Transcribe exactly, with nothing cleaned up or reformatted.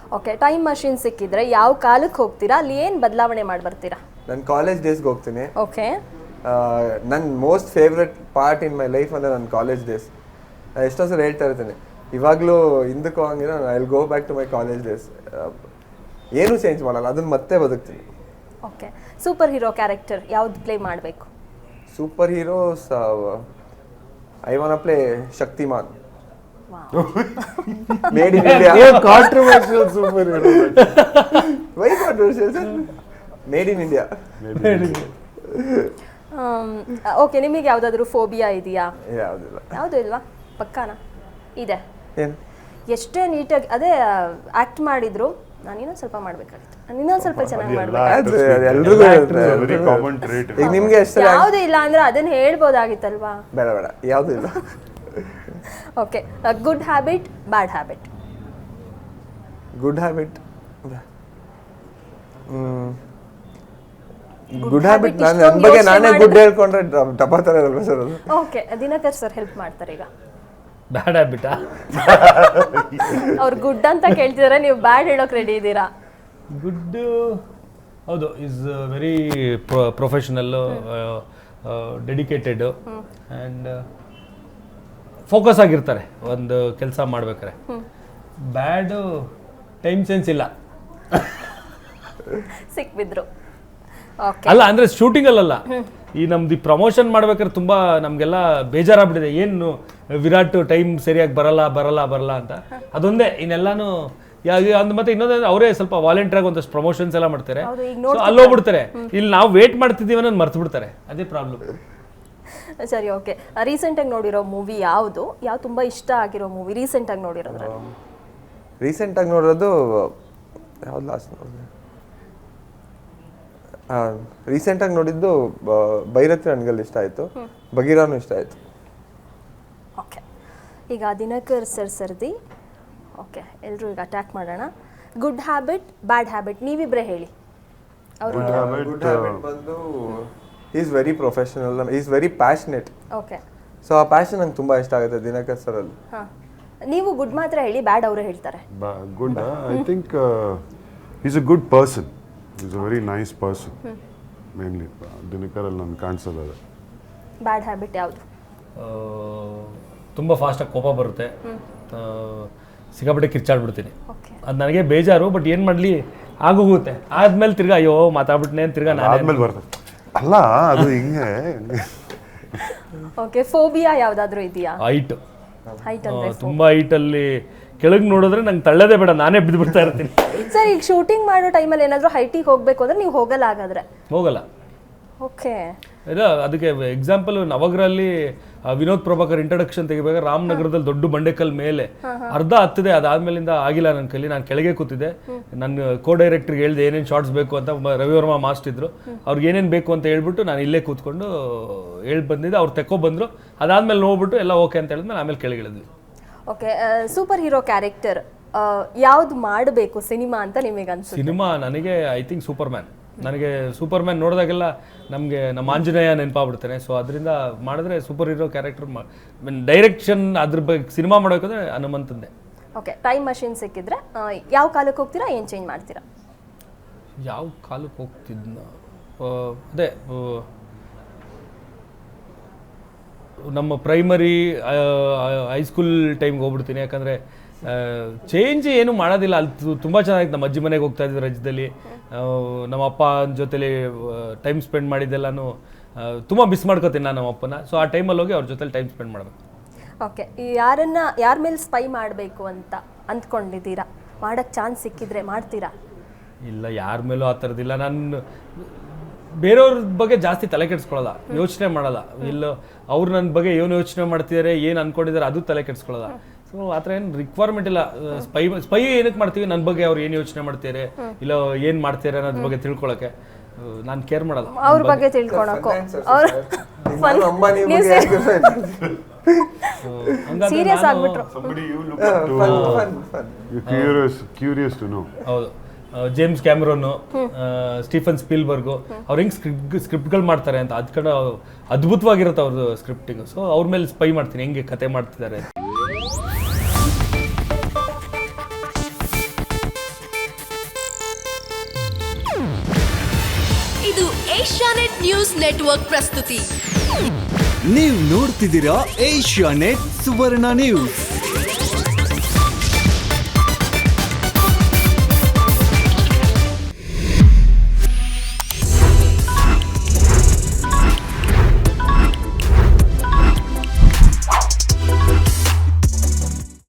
Okay, time machine ಸಿಕ್ಕಿದ್ರೆ ಯಾವ ಕಾಲಕ್ಕೆ ಹೋಗ್ತೀರಾ, ಅಲ್ಲಿ ಏನು ಬದಲಾವಣೆ ಮಾಡಿ ಬರ್ತೀರಾ? ನಾನು ಕಾಲೇಜ್ ಡೇಸ್ಗೆ ಹೋಗ್ತೀನಿ. ಓಕೆ, ನನ್ನ most favourite part in my life ಅಂದರೆ ನನ್ನ ಕಾಲೇಜ್ ಡೇಸ್. ಎಷ್ಟೋ ಸಲ ಹೇಳ್ತಾ ಇರ್ತೀನಿ, ಇವಾಗಲೂ ಹಿಂದಕ್ಕೆ ಹೋಗಂಗಿಲ್ಲ, I will go back to my college days. ಏನೂ ಚೇಂಜ್ ಮಾಡಲ್ಲ, ಅದನ್ನು ಮತ್ತೆ ಬದುಕ್ತೀನಿ. ಓಕೆ, ಸೂಪರ್ ಹೀರೋ ಕ್ಯಾರೆಕ್ಟರ್ ಯಾವ್ದು ಪ್ಲೇ ಮಾಡಬೇಕು? Superheroes I want play Shaktimaan. Made in India. Controversial superhero. Why controversial sir? Made in India. Okay, ನಿಮಗೆ ಯಾವುದಾದ್ರೂ phobia ಇದೆಯಾ? ಯಾವುದಿಲ್ಲ. ಯಾವುದು ಇಲ್ವಾ? ಪಕ್ಕಾನಾ? ಇದೆ. ಏನು? ಎಷ್ಟೇ ನೀಟಾಗಿ ಅದೇ ಆಕ್ಟ್ ಮಾಡಿದ್ರು, ನಾನು ಇನ್ನೊಂದು ಸ್ವಲ್ಪ ಮಾಡಬೇಕಾಗಿತ್ತು, ನಾನು ಇನ್ನೊಂದು ಸ್ವಲ್ಪ ಚೆನ್ನಾಗಿ ಮಾಡಬೇಕು. ಎಲ್ರಿಗೂ ವೆರಿ ಕಾಮನ್ ಟ್ರೇಟ್. ಈಗ ನಿಮ್ಗೆ ಎಷ್ಟು ಯಾವುದೂ ಇಲ್ಲ ಅಂದ್ರೆ ಅದನ್ನ ಹೇಳ್ಬೋದಾಗಿತ್ತಲ್ವಾ? ಬೇಡ ಬೇಡ, ಯಾವುದೂ ಇಲ್ಲ. Okay, good habit, bad habit? Good habit good habit ನಾನು ನನ್ನ ಬಗ್ಗೆ ನಾನೇ ಗುಡ್ ಹೇಳ್ಕೊಂಡ್ರೆ ಟಪ ಥರ ಇರಲ್ಲ ಸರ್ ಅದು. ಓಕೆ, ದಿನಕರ್ ಸರ್ ಹೆಲ್ಪ್ ಮಾಡ್ತಾರೆ ಈಗ. ಬ್ಯಾಡ್ ಹ್ಯಾಬಿಟಾ? ಅವ್ರು ಗುಡ್ ಅಂತ ಕೇಳ್ತಿದಾರೆ, ನೀವು ಬ್ಯಾಡ್ ಹೇಳೋಕೆ ರೆಡಿ ಇದ್ದೀರಾ? ಗುಡ್ ಹೌದು, is very professional, dedicated and focus ಆಗಿರ್ತಾರೆ ಒಂದು ಕೆಲಸ ಮಾಡ್ಬೇಕಾರೆ. ಬ್ಯಾಡು ಟೈಮ್ ಸೆನ್ಸ್ ಇಲ್ಲ. ಸಿಕ್ಬಿದ್ರು. ಓಕೆ, ಅಲ್ಲ ಅಂದರೆ ಶೂಟಿಂಗಲ್ಲ, ಈ ನಮ್ದು ಪ್ರಮೋಷನ್ ಮಾಡ್ಬೇಕಾದ್ರೆ ತುಂಬ ನಮಗೆಲ್ಲ ಬೇಜಾರಾಗ್ಬಿಟ್ಟಿದೆ, ಏನು ವಿರಾಟ್ ಟೈಮ್ ಸರಿಯಾಗಿ ಬರಲ್ಲ ಬರಲ್ಲ ಬರಲ್ಲ ಅಂತ. ಅದೊಂದೇ, ಇನ್ನೆಲ್ಲಾನು ಅಂದ್ ಮತ್ತೆ ಇನ್ನೊಂದು ಅವರೇ ಸ್ವಲ್ಪ ವಾಲಂಟಿಯರ್ ಆಗಿ ಒಂದಷ್ಟು ಪ್ರಮೋಷನ್ಸ್ ಎಲ್ಲ ಮಾಡ್ತಾರೆ, ಸೊ ಅಲ್ಲಿ ಹೋಗ್ಬಿಡ್ತಾರೆ. ಇಲ್ಲಿ ನಾವು ವೇಟ್ ಮಾಡ್ತಿದ್ದೀವಿ ಅನ್ನೋದು ಮರ್ತು ಬಿಡ್ತಾರೆ, ಅದೇ ಪ್ರಾಬ್ಲಮ್. ಸರಿ, ಓಕೆ, ರೀಸೆಂಟಾಗಿ ನೋಡಿರೋ ಮೂವಿ ಯಾವುದು? ಯಾವ ತುಂಬ ಇಷ್ಟ ಆಗಿರೋ ಮೂವಿ ರೀಸೆಂಟಾಗಿ ನೋಡಿರೋದ್ರೆ? ರೀಸೆಂಟಾಗಿ ನೋಡೋದು ಯಾವ್ದು ಲಾಸ್ಟ್ ನೋಡಿದೆ? ರೀಸೆಂಟಾಗಿ ನೋಡಿದ್ದು ಭೈರತಿ ರಣಗಲ್ ಇಷ್ಟ ಆಯಿತು, ಬಗೀರಾನು ಇಷ್ಟ ಆಯಿತು. ಓಕೆ, ಈಗ ದಿನಕರ್ ಸರ್ ಸರ್ದಿ. ಓಕೆ, ಎಲ್ಲರೂ ಈಗ ಅಟ್ಯಾಕ್ ಮಾಡೋಣ. ಗುಡ್ ಹ್ಯಾಬಿಟ್, ಬ್ಯಾಡ್ ಹ್ಯಾಬಿಟ್ ನೀವಿಬ್ಬರೇ ಹೇಳಿ. ಅವರು ಗುಡ್ ಹ್ಯಾಬಿಟ್ ಬಂದು is very professional, is very passionate. Okay, so ಆ ಪ್ಯಾಷನ್ ನಂಗೆ ತುಂಬ ಇಷ್ಟ ಆಗುತ್ತೆ ದಿನಕರ್ ಸರಲ್ಲಿ. ಹಾಂ, ನೀವು ಗುಡ್ ಮಾತ್ರ ಹೇಳಿ, ಬ್ಯಾಡ್ ಅವರೇ ಹೇಳ್ತಾರೆ. Good, I think is a good person, is a very nice person. Mainly ದಿನಕರಲ್ಲಿ ನಾನು ಕಾಣಿಸೋದು ಅದೇ. ಬ್ಯಾಡ್ ಹ್ಯಾಬಿಟ್ ಯಾವುದು? ತುಂಬ ಫಾಸ್ಟಾಗಿ ಕೋಪ ಬರುತ್ತೆ, ಸಿಕ್ಕಾಪಟ್ಟೆ ಕಿರ್ಚಾಡ್ಬಿಡ್ತೀನಿ. ಓಕೆ, ಅದು ನನಗೆ ಬೇಜಾರು, ಬಟ್ ಏನು ಮಾಡಲಿ ಆಗೋಗುತ್ತೆ. ಆದ್ಮೇಲೆ ತಿರ್ಗಾ ಅಯ್ಯೋ ಮಾತಾಡ್ಬಿಟ್ನೆ ತಿರ್ಗಾ ನಾನು ಆದ್ಮೇಲೆ ಬರ್ತದೆ. ಅಲ್ಲ ಅದು ಹಿಂಗೆ. ಓಕೆ, ಫೋಬಿಯಾ ಯಾವುದಾದ್ರೂ ಇದೆಯಾ? ಹೈಟ್, ಹೈಟ್ ಅಂದ್ರೆ ತುಂಬ ಹೈಟಲ್ಲಿ ಕೆಳಗೆ ನೋಡಿದ್ರೆ ನಂಗೆ ತಳ್ಳೋದೇ ಬೇಡ, ನಾನೇ ಬಿದ್ದು ಬಿಡ್ತಾ ಇರ್ತೀನಿ. ಸರ್, ಈಗ ಶೂಟಿಂಗ್ ಮಾಡೋ ಟೈಮಲ್ಲಿ ಏನಾದರೂ ಹೈಟಿಗೆ ಹೋಗಬೇಕು ಅಂದ್ರೆ ನೀವು ಹೋಗಲ್ಲ ಹಾಗಾದ್ರೆ? ಹೋಗಲ್ಲ. ಓಕೆ, ಇಲ್ಲ, ಅದಕ್ಕೆ ಎಕ್ಸಾಂಪಲ್ ನವಗ್ರಲ್ಲಿ ವಿನೋದ್ ಪ್ರಭಾಕರ್ ಇಂಟ್ರಡಕ್ಷನ್ ತೆಗಿಬೇಕಾದ್ರೆ ರಾಮನಗರದಲ್ಲಿ ದೊಡ್ಡ ಬಂಡೆಕಲ್ ಮೇಲೆ ಅರ್ಧ ಹತ್ತಿದೆ, ಅದಾದ್ಮೇಲಿಂದ ಆಗಿಲ್ಲ ನನ್ನ ಕೈಲಿ. ನಾನು ಕೆಳಗೆ ಕೂತಿದ್ದೆ, ನನ್ನ ಕೋ ಡೈರೆಕ್ಟರ್ಗೆ ಹೇಳ್ದೆ ಏನೇನು ಶಾರ್ಟ್ಸ್ ಬೇಕು ಅಂತ. ರವಿವರ್ಮ ಮಾಸ್ಟರ್ ಇದ್ರು, ಅವ್ರಿಗೆ ಏನೇನು ಬೇಕು ಅಂತ ಹೇಳ್ಬಿಟ್ಟು ನಾನು ಇಲ್ಲೇ ಕೂತ್ಕೊಂಡು ಹೇಳಿ ಬಂದಿದ್ದೆ. ಅವ್ರು ತೆಕ್ಕೊ ಬಂದರು, ಅದಾದ್ಮೇಲೆ ನೋಡ್ಬಿಟ್ಟು ಎಲ್ಲ ಓಕೆ ಅಂತ ಹೇಳಿದ್ಮೇಲೆ ಆಮೇಲೆ ಕೆಳಗೆ ಇಳಿದ್ವಿ. ಓಕೆ, ಸೂಪರ್ ಹೀರೋ ಕ್ಯಾರೆಕ್ಟರ್ ಯಾವ್ದು ಮಾಡಬೇಕು ಸಿನಿಮಾ ಅಂತ ನಿಮಗೆ ಅನ್ಸುತ್ತೆ? ಸಿನಿಮಾ ನನಗೆ ಐ ಥಿಂಕ್ ಸೂಪರ್ ಮ್ಯಾನ್. ನನಗೆ ಸೂಪರ್ ಮ್ಯಾನ್ ನೋಡಿದಾಗೆಲ್ಲ ನಮಗೆ ನಮ್ಮ ಆಂಜನೇಯ ನೆನಪಾಗ್ಬಿಡ್ತಾನೆ. ಸೊ ಅದರಿಂದ ಮಾಡಿದ್ರೆ ಸೂಪರ್ ಹೀರೋ ಕ್ಯಾರೆಕ್ಟರ್ ಡೈರೆಕ್ಷನ್ ಅದ್ರ ಬಗ್ಗೆ ಸಿನಿಮಾ ಮಾಡೋಕಂದ್ರೆ ಹನುಮಂತಂದೆ. ಓಕೆ, ಟೈಮ್ ಮಷಿನ್ ಸಿಕ್ಕಿದ್ರೆ ಯಾವ ಕಾಲಕ್ಕೆ ಹೋಗ್ತೀರಾ, ಏನು ಚೇಂಜ್ ಮಾಡ್ತೀರಾ? ಯಾವ ಕಾಲಕ್ಕೆ ಹೋಗ್ತಿದ್ನ ಅದೇ ನಮ್ಮ ಪ್ರೈಮರಿ ಹೈಸ್ಕೂಲ್ ಟೈಮ್ಗೆ ಹೋಗ್ಬಿಡ್ತೀನಿ. ಯಾಕಂದರೆ ಚೇಂಜ್ ಏನು ಮಾಡೋದಿಲ್ಲ. ಅಲ್ಲಿ ತುಂಬ ಚೆನ್ನಾಗಿತ್ತು. ನಮ್ಮ ಅಜ್ಜಿ ಮನೆಗೆ ಹೋಗ್ತಾ ಇದ್ವಿ ರಜದಲ್ಲಿ, ನಮ್ಮ ಅಪ್ಪ ಜೊತೆಲಿ ಟೈಮ್ ಸ್ಪೆಂಡ್ ಮಾಡಿದ್ದೆಲ್ಲನೂ ತುಂಬ ಮಿಸ್ ಮಾಡ್ಕೋತೀನಿ ನಾನು ನಮ್ಮ ಅಪ್ಪನ. ಸೊ ಆ ಟೈಮಲ್ಲಿ ಹೋಗಿ ಅವ್ರ ಜೊತೆಲಿ ಟೈಮ್ ಸ್ಪೆಂಡ್ ಮಾಡಬೇಕು. ಓಕೆ, ಯಾರನ್ನ ಯಾರ ಮೇಲೆ ಸ್ಪೈ ಮಾಡಬೇಕು ಅಂತ ಅಂದ್ಕೊಂಡಿದ್ದೀರಾ? ಮಾಡೋಕ್ಕೆ ಚಾನ್ಸ್ ಸಿಕ್ಕಿದ್ರೆ ಮಾಡ್ತೀರಾ? ಇಲ್ಲ, ಯಾರ ಮೇಲೂ ಆ ಥರದ್ದಿಲ್ಲ. ನಾನು ಬೇರೆಯವ್ರ ಬಗ್ಗೆ ಜಾಸ್ತಿ ತಲೆ ಕೆಡಿಸ್ಕೊಳ್ಳೋಲ್ಲ, ಯೋಚನೆ ಮಾಡಲ್ಲ. ಇಲ್ಲ ಅವ್ರು ನನ್ನ ಬಗ್ಗೆ ಏನು ಯೋಚನೆ ಮಾಡ್ತಿದ್ದಾರೆ, ಏನು ಅಂದ್ಕೊಂಡಿದ್ದಾರೆ ಅದು ತಲೆ ಕೆಡಿಸ್ಕೊಳ್ಳೋಲ್ಲ. ಸೊ ಆ ಥರ ಏನು ರಿಕ್ವೈರ್ಮೆಂಟ್ ಇಲ್ಲ. ಸ್ಪೈ ಸ್ಪೈ ಏನಕ್ಕೆ ಮಾಡ್ತೀವಿ, ನನ್ನ ಬಗ್ಗೆ ಅವ್ರು ಏನು ಯೋಚನೆ ಮಾಡ್ತಾರೆ, ಇಲ್ಲ ಏನು ಮಾಡ್ತಾರೆ ಅನ್ನೋದ್ರ ಬಗ್ಗೆ ತಿಳ್ಕೊಳಕ್ಕೆ ನಾನು ಕೇರ್ ಮಾಡಲ್ಲ. ಅವ್ರ ಬಗ್ಗೆ ತಿಳ್ಕೊಳಕ್ಕೋ ಸೀರಿಯಸ್ ಆಗ್ಬಿಟ್ರು. ಹೌದು, ಜೇಮ್ಸ್ ಕ್ಯಾಮ್ರೋನು, ಸ್ಟೀಫನ್ ಸ್ಪೀಲ್ಬರ್ಗು ಅವ್ರು ಹೆಂಗೆ ಸ್ಕ್ರಿಪ್ಟ್ ಸ್ಕ್ರಿಪ್ಟ್ಗಳು ಮಾಡ್ತಾರೆ ಅಂತ ಅದ್ ಕಡೆ ಅದ್ಭುತವಾಗಿರುತ್ತೆ ಅವ್ರದ್ದು ಸ್ಕ್ರಿಪ್ಟಿಂಗ್. ಸೊ ಅವ್ರ ಮೇಲೆ ಸ್ಪೈ ಮಾಡ್ತೀನಿ ಹೆಂಗೆ ಕತೆ ಮಾಡ್ತಿದ್ದಾರೆ. ಏಷ್ಯಾನೆಟ್ ನ್ಯೂಸ್ ನೆಟ್ವರ್ಕ್ ಪ್ರಸ್ತುತಿ. ನೀವು ನೋಡ್ತಿದ್ದೀರಾ ಏಷ್ಯಾನೆಟ್ ಸುವರ್ಣ ನ್ಯೂಸ್.